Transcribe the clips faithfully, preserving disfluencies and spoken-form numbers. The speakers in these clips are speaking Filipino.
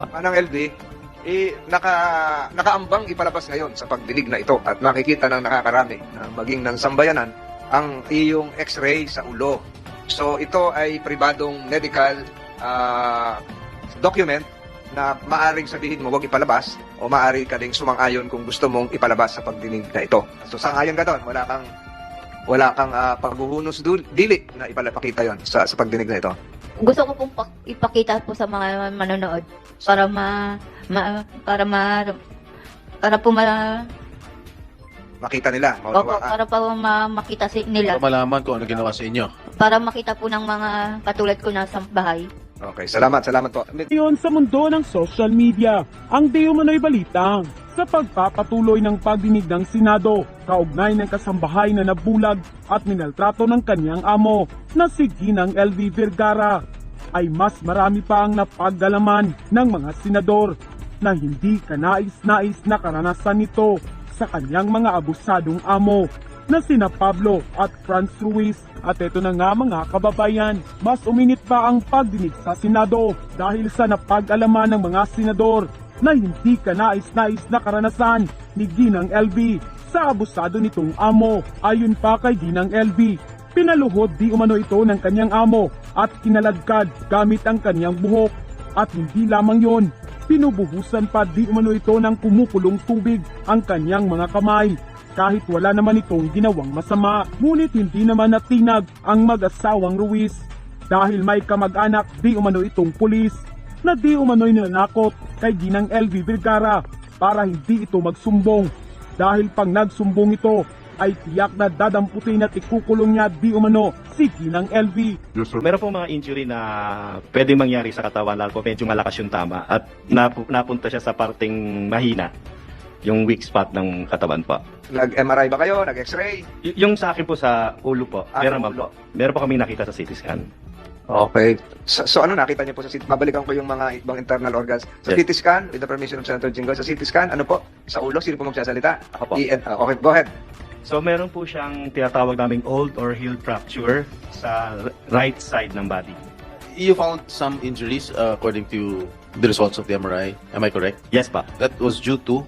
Manang L V, eh, naka, nakaambang ipalabas ngayon sa pagdinig na ito at makikita ng nakakarami na maging ng sambayanan ang iyong x-ray sa ulo. So ito ay pribadong medical uh, document na maaring sabihin mo huwag ipalabas o maaari ka ding sumang-ayon kung gusto mong ipalabas sa pagdinig na ito. So sang-ayon ka doon, wala kang wala kang uh, paghuhunos dili na ipalapakita yon sa, sa pagdinig na ito. Gusto ko pong pak- ipakita po sa mga manonood para ma, ma para ma para po ma, Makita nila. opo, Maunawaan. para po ma, makita si nila, Para malaman kung ano ginawa sa inyo. para makita po ng mga katulad ko na sa bahay. Okay, salamat, salamat po. Ngayon sa mundo ng social media, ang di umano'y balita sa pagpapatuloy ng pagdinig ng Senado kaugnay ng kasambahay na nabulag at minaltrato ng kanyang amo na si Ginang L V Vergara ay mas marami pa ang napagdalaman ng mga senador na hindi kanais-nais na karanasan nito sa kanyang mga abusadong amo na sina Pablo at Franz Ruiz. At ito na nga mga kababayan, mas uminit pa ang pagdinig sa Senado dahil sa napag-alaman ng mga senador na hindi kanais-nais na karanasan ni Ginang L V sa abusado nitong amo. Ayon pa kay Ginang L V, pinaluhod di umano ito ng kanyang amo at kinaladkad gamit ang kanyang buhok. At hindi lamang yon, pinubuhusan pa di umano ito ng kumukulong tubig ang kanyang mga kamay. Kahit wala naman itong ginawang masama, ngunit hindi naman natinag ang mag-asawang Ruiz dahil may kamag-anak di umano itong pulis na di umano'y nanakot kay Ginang L V Vergara para hindi ito magsumbong dahil pag nagsumbong ito ay tiyak na dadamputin at ikukulong niya di umano si Ginang L V. Meron pong mga injury na pwedeng mangyari sa katawan lalo po medyo malakas yung tama at napu- napunta siya sa parting mahina, yung weak spot ng katawan po. Nag-M R I ba kayo? Nag-X-ray? Y- yung sa akin po sa ulo po, Ah, meron sa man ulo. po. Meron po kami nakita sa C T scan. Okay. So, so ano nakita niyo po sa C T? Babalikan ko yung mga ibang internal organs. Sa Yes. C T scan, with the permission of Senator Jinggoy, sa C T scan, ano po? Sa ulo, sino po magsasalita? Ako po. I- uh, okay, go ahead. So meron po siyang tinatawag naming old or healed fracture sa r- right side ng body. You found some injuries uh, according to the results of the M R I. Am I correct? Yes pa. That was due to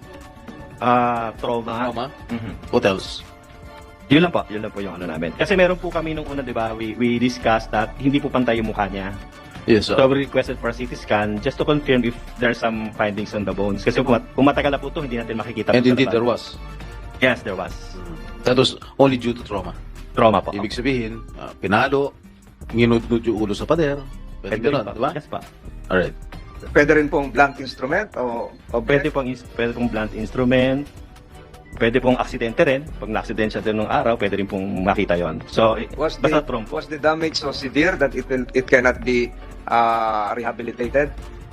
Ah, trauma. trauma. Mhm. What else? Yun lang po, yun lang po yung ano namin. Kasi meron po kami nung una, di ba, we, we discussed that hindi po pantay yung mukha niya. Yes, So uh, we requested for a C T scan just to confirm if there's some findings on the bones. Kasi kung, kung matagal na po ito, hindi natin makikita. and po sa indeed labas. there was. Yes, there was. That was only due to trauma. Trauma po. Ibig sabihin, uh, pinalo, nginudnud yung ulo sa pader. Pwede Pwede ganun, rin po. di ba? Yes pa. Alright. Pwede rin pong blunt instrument o, o Pwede pong, ins- pwede pong blunt instrument. Pwede pong aksidente rin. Pag na-aksidente siya din nung araw, pwede rin pong makita yon. So, eh, was basta the, trauma po. was the damage so severe that it will it cannot be uh, rehabilitated?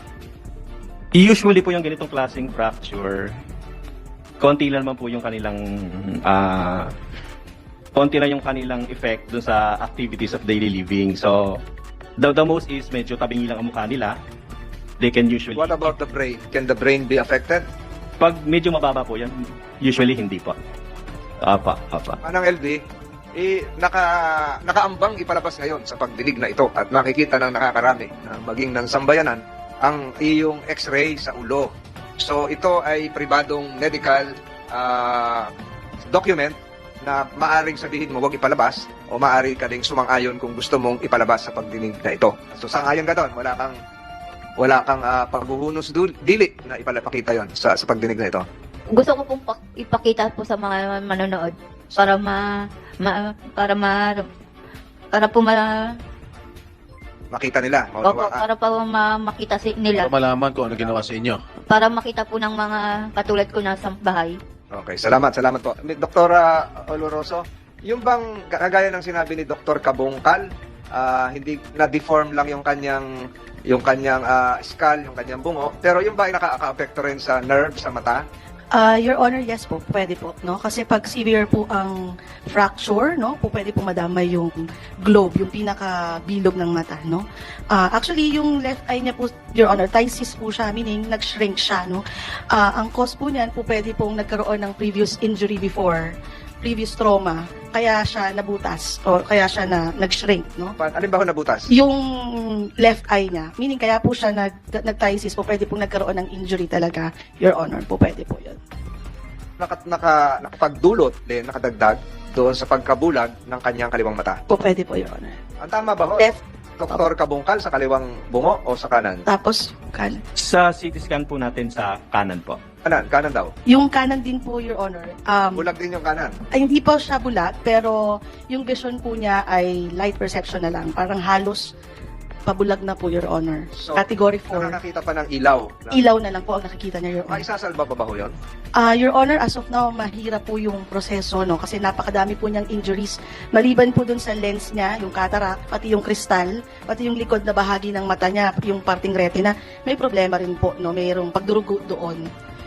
Usually po yung ganitong klaseng fracture, konti lang naman po yung kanilang ah konti lang yung kanilang effect dun sa activities of daily living. So, the, the most is medyo tabingi lang ang mukha nila. They can usually... What about the brain? Can the brain be affected? Pag medyo mababa po yan, usually hindi po. Apa, apa. Manang L V, eh, naka, nakaambang ipalabas ngayon sa pagdinig na ito at makikita ng nakakarami na maging ng sambayanan ang iyong x-ray sa ulo. So ito ay pribadong medical uh, document na maaring sabihin mo huwag ipalabas o maaari ka ding sumang-ayon kung gusto mong ipalabas sa pagdinig na ito. So sang-ayon ka doon, wala kang wala kang uh, paghuhunos dul- dili na ipalapakita yon sa, sa pagdinig na ito. Gusto ko pong pak- ipakita po sa mga manonood para ma, ma para ma para po ma, Makita nila. opo, Maunawaan. para po ma, makita si nila, Para malaman kung ano ginawa sa inyo. para makita po ng mga katulad ko na sa bahay. Okay, salamat, salamat po. Doktora Oloroso, yung bang kagaya ng sinabi ni Doktor Kabungkal, ah, hindi na-deform lang yung kanyang yung kanyang ah, skull, yung kanyang bungo, pero yung ba ay nakaka-apekto rin sa nerve, sa mata? Ah, Your Honor, yes po, pwede po, no? Kasi pag severe po ang fracture, no, po pwede po madamay yung globe, yung pinakabilog ng mata, no? Ah, actually, yung left eye niya po, Your Honor, ptysis po siya, meaning nag-shrink siya, no? Ah, ang cause po niyan po pwede pong nagkaroon ng previous injury before previous trauma, kaya siya nabutas o kaya siya na nag-shrink, no? Pa- Alin ba ho nabutas? Yung left eye niya, meaning kaya po siya nag, nag-phthisis po, pwede pong nagkaroon ng injury talaga, Your Honor, po pwede po yun. Naka, naka, nakapagdulot din, nakadagdag doon sa pagkabulag ng kanyang kaliwang mata. Po pwede po, Your Honor. Ang tama ba ho? Left, Doktor Kabungkal sa kaliwang bungo o sa kanan? tapos kanan. Sa C T scan po natin sa kanan po. Kanan, kanan daw. Yung kanan din po, Your Honor, um, Bulag din yung kanan. ay, hindi po siya bulat, pero yung vision po niya ay light perception na lang. Parang halos pabulag na po, Your Honor. So, Category four. Nakakakita pa ng ilaw. Na, Ilaw na lang po ang nakikita niya, Your May Honor. isasalba pa ba ho yun? Ah, Your Honor, as of now, mahirap po yung proseso, no? Kasi napakadami po niyang injuries. Maliban po dun sa lens niya, yung cataract, pati yung kristal, pati yung likod na bahagi ng mata niya, yung parting retina, may problema rin po, no? Mayroong pagdurugo doon.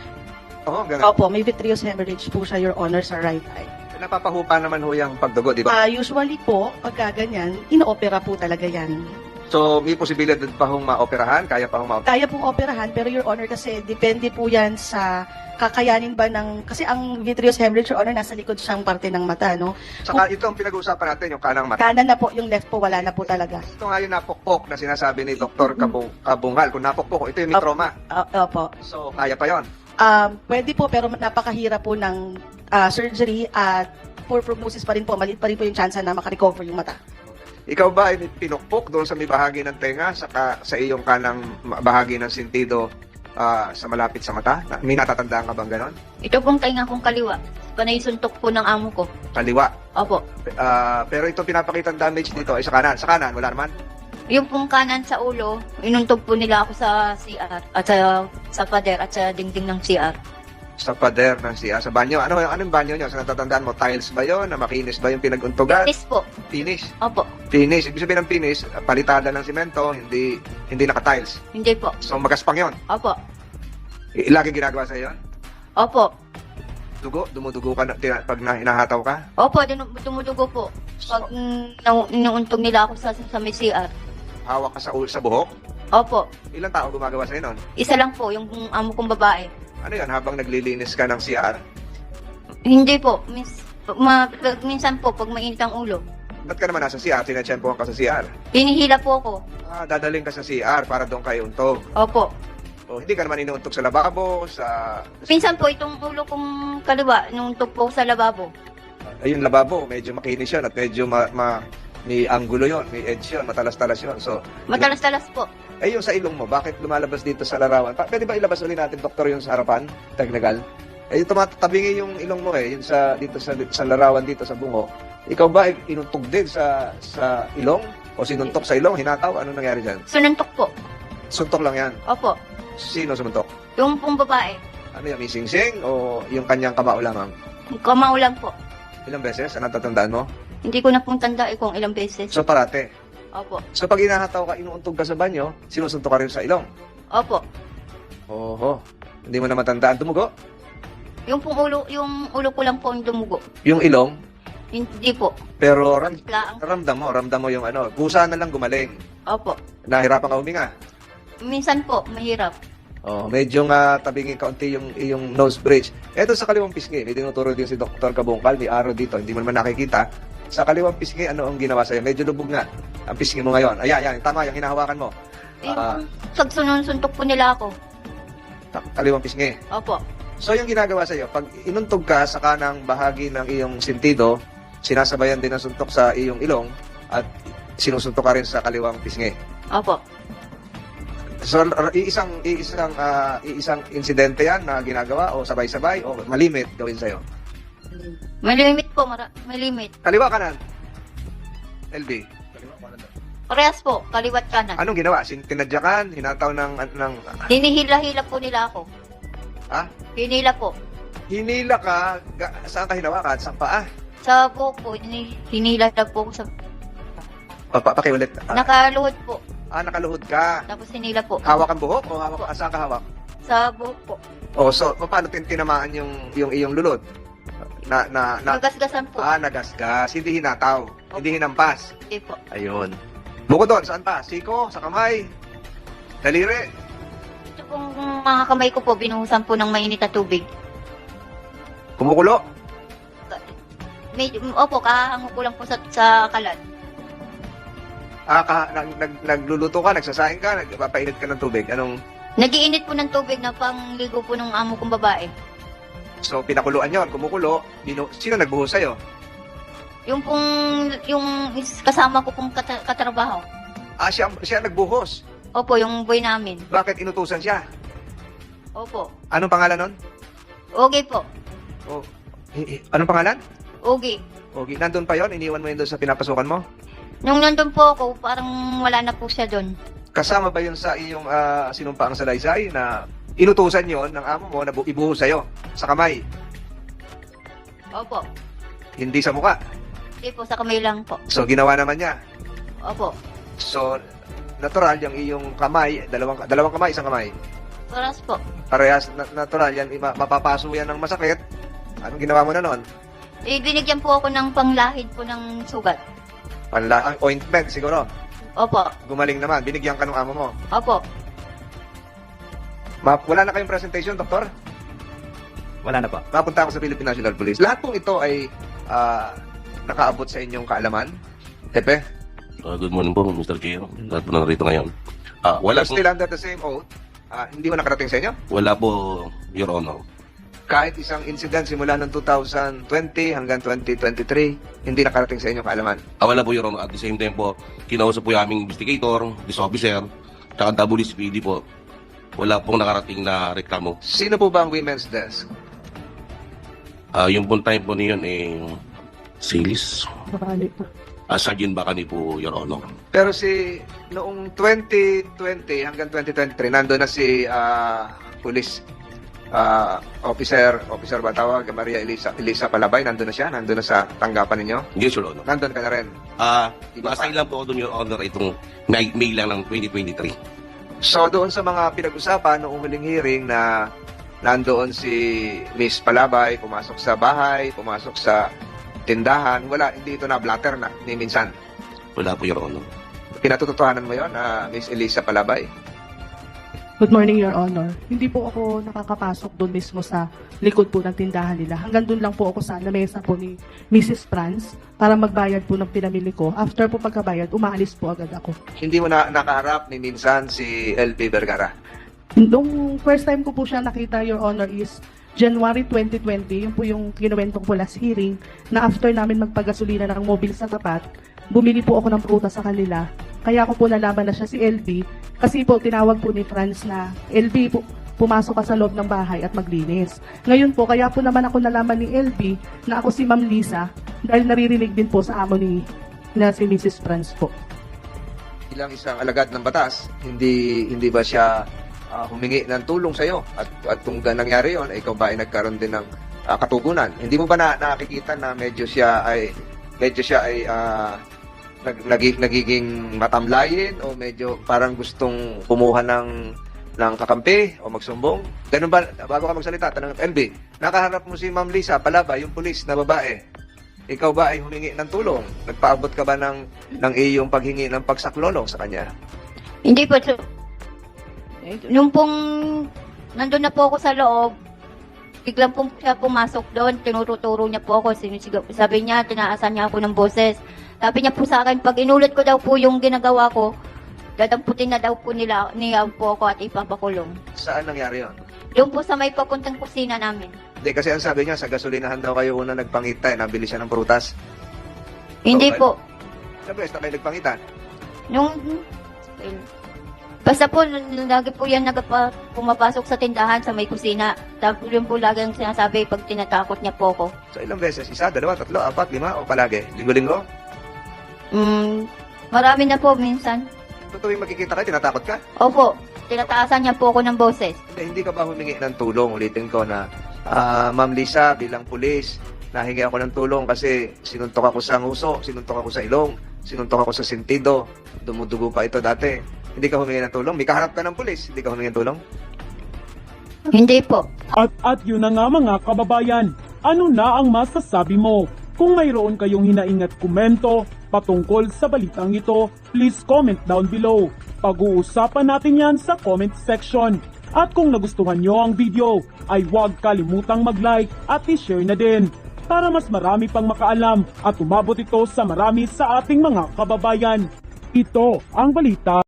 Oo, ganun. Opo, may vitreous hemorrhage po siya, Your Honor, sa right eye. Napapahupa naman ho yung pagdugo, di ba? Ah, usually po, pagka ganyan, ino-opera po talaga yan. So, may posibilidad pa hong maoperahan? Kaya pa hong maoperahan? Kaya pong operahan, pero Your Honor, kasi depende po yan sa kakayanin ba ng, kasi ang vitreous hemorrhage, Your Honor, nasa likod siyang parte ng mata, no? Saka ito ang pinag-uusapan natin, yung kanang mata. Kanan na po, yung left po, wala na po talaga. Ito nga yung napukpok na sinasabi ni Doktor Kabung, Kabungal. Kung napukpok, ito yung may Opo. trauma. Ah, opo. So, kaya pa yon. Um, pwede po, pero napakahirap po ng ah, surgery at poor prognosis pa rin po, maliit pa rin po yung chance na makarecover yung mata. Ikaw ba ay pinukpok doon sa may bahagi ng tenga, saka sa iyong kanang bahagi ng sentido ah, sa malapit sa mata? Na- May natatandaan ka bang ganon? Ito pong tainga kong kaliwa. Panay suntok po ng amo ko. Kaliwa. Opo. Ah, pero ito pinapakitang damage dito ay sa kanan. Sa kanan, wala naman. Yung pong kanan sa ulo, inuntog po nila ako sa C R at sa, sa pader at sa dingding ng C R. Sa pader ng siya, sa banyo. Ano, anong banyo nyo? Sa natatandaan mo, tiles ba yon? Na makinis ba yung pinaguntugan? Yes po. Finish. Opo. Finish. Ibig sabihin ng finish, palitada ng simento, hindi hindi naka-tiles. Hindi po. So, magaspang yon. Opo. I- Lagi ginagawa sa yon? Opo. Dugo? Dumudugo ka na, tina- pag na, hinahataw ka? Opo, dinu- dumudugo po. Pag mm, nau- inuuntog nila ako sa, sa may C R. Hawak ka sa, ul- sa buhok? Opo. Ilang tao gumagawa sa'yo nun? Isa lang po, yung amo kong babae. Ano yan, habang naglilinis ka ng C R? Hindi po. Mis, ma, pag- minsan po, pag mainit ang ulo. Ba't ka naman nasa C R? Tinatsyempohan ka sa C R? Hinihila po ako. Ah, dadaling ka sa C R para doon kayo untog. Opo. O, hindi ka naman inuuntog sa lababo, sa... Minsan po, itong ulo kong kaliwa, inuuntog po sa lababo. Ayun, lababo, medyo makinis yun at medyo ma... ma may angulo yon, may edge yun, matalas-talas yun. So, Matalas-talas po. eh yung sa ilong mo, bakit lumalabas dito sa larawan? Pa, pwede ba ilabas ulit natin, doktor, yung sa harapan? Technical? Eh, yung tumatatabingi yung ilong mo eh, yung sa, dito sa, sa larawan dito sa bungo. Ikaw ba ay inuntog din sa, sa ilong? O sinuntok sa ilong, hinataw? Ano nangyari dyan? Sununtok po. Suntok lang yan. Opo. Sino sumuntok? Yung pong babae. Ano yan, may sing-sing? O yung kanyang kamao lamang? Kamao lang po. Ilang beses? Ano tatandaan mo? Hindi ko na pong tanda eh kung ilang beses. So, parate. Opo. So, pag inahataw ka, inuuntog ka sa banyo, sinusuntok ka rin sa ilong. Opo. Oho. Hindi mo na matandaan. Dumugo? Yung pong ulo, yung ulo ko lang po yung dumugo. Yung ilong, Hindi po. pero ram, Laang. ramdam mo, ramdam mo yung ano, kusa na lang gumaling. Opo. Nahirapan ka huminga. Minsan po, mahirap. Oh, medyo nga tabingin kaunti yung yung nose bridge. Eto sa kaliwang pisngi, may tinuturo din si Doktor Kabungkal, may araw dito, hindi mo naman nakikita. Sa kaliwang pisngi, ano ang ginawa sa'yo? Medyo lubog nga ang pisngi mo ngayon. Ayan, ayan, tama yung hinahawakan mo. Yung Ah. pag sunod-suntok po nila ako. Ta- Kaliwang pisngi. Opo. So yung ginagawa sa'yo, pag inuntog ka sa kanang bahagi ng iyong sentido, sinasabayan din ng suntok sa iyong ilong at sinusuntok ka rin sa kaliwang pisngi. Opo. So, r- iisang iisang ah, iisang insidente 'yan na ginagawa o sabay-sabay o malimit gawin sa'yo. May limit po, mara- may limit. Kaliwa kanan. L B. Parehas po, kaliwat kanan. Anong ginawa? Sin tinadyakan, hinataw ng ng Hinihila-hila po nila ako. ha? Hinila po. Hinila ka, ga- saan ka hinawakan? Sa paa? Sa buhok po, hini- hinila na po ako sa... Pa, pa, pakiulit. Ah, Nakaluhod po. ah, nakaluhod ka. Tapos hinila po. Hawak ang buhok o hawak ah, saan ka hawak? Sa buhok po. Oh, so paano tin tinamaan yung yung iyong lulod? Na na na Nagasgasan po. ah, nagasgas, hindi hinataw, hindi hinampas. Hindi po. Ayun. Bukod doon, saan pa? Siko, sa kamay, daliri. Ito pong mga kamay ko po, binuhusan po ng mainit na tubig. Kumukulo. May, opo, kahango ko lang po sa, sa kalan. Ah, ka, nag, nag, nagluluto ka, nagsasaing ka, nagpapainit ka ng tubig. Anong, Nagiinit po ng tubig na pangligo po ng amo kong babae. so pinakuluan yon, kumukulo, binu, sino nagbuhos sa'yo? Yung pong, yung is- kasama ko pong kata- katrabaho. Ah, siya, siya nagbuhos. Opo, yung boy namin. Bakit inutusan siya? Opo. Anong pangalan nun? Okay po. Oh, eh, eh, anong pangalan? Okay. Okay, nandun pa yon, iniwan mo yun doon sa pinapasukan mo? Nung nandun po ako, parang wala na po siya doon. Kasama ba yun sa iyong uh, sinumpaang salaysay na inutusan yon ng amo mo na bu- ibuhos sa'yo sa kamay, Opo. hindi sa mukha? Hindi po, sa kamay lang po. So, ginawa naman niya. Opo. So, natural yung iyong kamay, dalawang, dalawang kamay, isang kamay. Oras po. Parehas na, natural yan, ima- mapapaso yan ng masakit. Anong ginawa mo na noon? Eh, binigyan po ako ng panglahid po ng sugat. Panla, ang ointment siguro. Opo. Gumaling naman, binigyan ka ng amo mo. Opo. Ma- wala na kayong presentation, doktor? Wala na po. Mapunta ako sa Philippine National Police. Lahat pong ito ay ah, nakaabot sa inyong kaalaman. Tepe, Uh, good morning po, Mister Chair. Lahat po na narito ngayon. Ah, wala you're po, still under the same oath. Ah, hindi mo nakarating sa inyo? wala po, Your Honor. Kahit isang incident simula ng two thousand twenty hanggang twenty twenty-three, hindi nakarating sa inyong kaalaman. Ah, wala po, Your Honor. At the same time po, kinausap po yung aming investigator, this officer, tsaka W C P D po. Wala pong nakarating na reklamo. Sino po ba ang women's desk? Ah, yung po time po niyon eh, Silis. Ah, Sergeant Bacani po, Your Honor. Pero si noong twenty twenty hanggang twenty twenty-three, nando na si ah, police ah, officer, officer ba tawag, Maria Elisa, Elisa Palabay, nando na siya, nando na sa tanggapan ninyo. Yes, Your Honor. Nandun ka na rin. Ah, Iba nasa pa. ilang po ako doon, Your Honor, itong May, May lang ng twenty twenty-three. So doon sa mga pinag-usapan noong huling hearing na nandoon si Miss Palabay, pumasok sa bahay, pumasok sa tindahan, wala, hindi ito na blatter na, ni minsan. Wala po, Your Honor. Pinatutuhanan mo yon na Miss Elisa Palabay? Good morning, Your Honor. Hindi po ako nakakapasok doon mismo sa likod po ng tindahan nila. Hanggang doon lang po ako sa lamesa po ni Missus Franz para magbayad po ng pinamili ko. After po pagkabayad, umaalis po agad ako. Hindi mo na nakaharap ni minsan si L P Vergara. Nung first time ko po siya nakita, Your Honor, is January twenty twenty. Yun po yung kinuwento ko po last hearing na after namin magpagasolina ng mobile sa tapat, bumili po ako ng prutas sa kanila. Kaya ako po nalaman na siya si L B kasi po tinawag po ni Franz na L B po, pumasok ka sa loob ng bahay at maglinis. Ngayon po, kaya po naman ako nalaman ni L B na ako si Ma'am Lisa dahil naririnig din po sa amo ni na si Missus Franz po. Bilang isang alagad ng batas, hindi hindi ba siya ah, humingi ng tulong sa iyo? At at kung gan- nangyari 'yon, ikaw ba ay nagkaroon din ng ah, katugunan? Hindi mo ba na, nakikita na medyo siya ay medyo siya ay ah, nag, nagi- nagiging matamlayin o medyo parang gustong kumuha ng ng kakampi o magsumbong? Ganun ba, bago ka magsalita, tanong L B, nakaharap mo si Ma'am Lisa Palabay, yung pulis na babae. Ikaw ba ay humingi ng tulong? Nagpaabot ka ba ng, ng iyong paghingi ng pagsaklolo sa kanya? Hindi po. So, nung pong nandun na po ako sa loob, biglang po siya pumasok doon, tinuturo niya po ako, sinisigaw. Sabi niya, tinaasan niya ako ng boses. Sabi niya po sa akin, pag inulit ko daw po yung ginagawa ko, dadamputin na daw po nila, niya po ako at ipapakulong. Saan nangyari yun? Doon po sa may papuntang kusina namin. Hindi, kasi ang sabi niya, sa gasolinahan daw kayo una nagpangita, eh, nabili siya ng prutas. Hindi Okay. po. Sa beses na kayo nagpangita. Nung, basta po, n- lagi po yan nagpa, pumapasok sa tindahan sa may kusina. Tapos yun po lagi ang sinasabi pag tinatakot niya po ako. So ilang beses? Isa, dalawa, tatlo, apat, lima, o palagi? Linggo-linggo? Mm, marami na po minsan. So tuwing makikita kayo, tinatakot ka? Opo, tinataasan niya po ako ng boses. Hindi, hindi ka ba humingi ng tulong? Ulitin ko na, ah, Ma'am Lisa, bilang pulis, nahingi ako ng tulong kasi sinuntok ako sa nguso, sinuntok ako sa ilong, sinuntok ako sa sentido, dumudugo pa ito dati. Hindi ka humingi ng tulong? May kaharap ka ng pulis, hindi ka humingi ng tulong? Hindi po. At at yun na nga mga kababayan, ano na ang masasabi mo? Kung mayroon kayong hinaingat komento patungkol sa balitang ito, please comment down below. Pag-uusapan natin yan sa comment section. At kung nagustuhan nyo ang video, ay huwag kalimutang mag-like at i-share na din. para mas marami pang makaalam at umabot ito sa marami sa ating mga kababayan. Ito ang balita.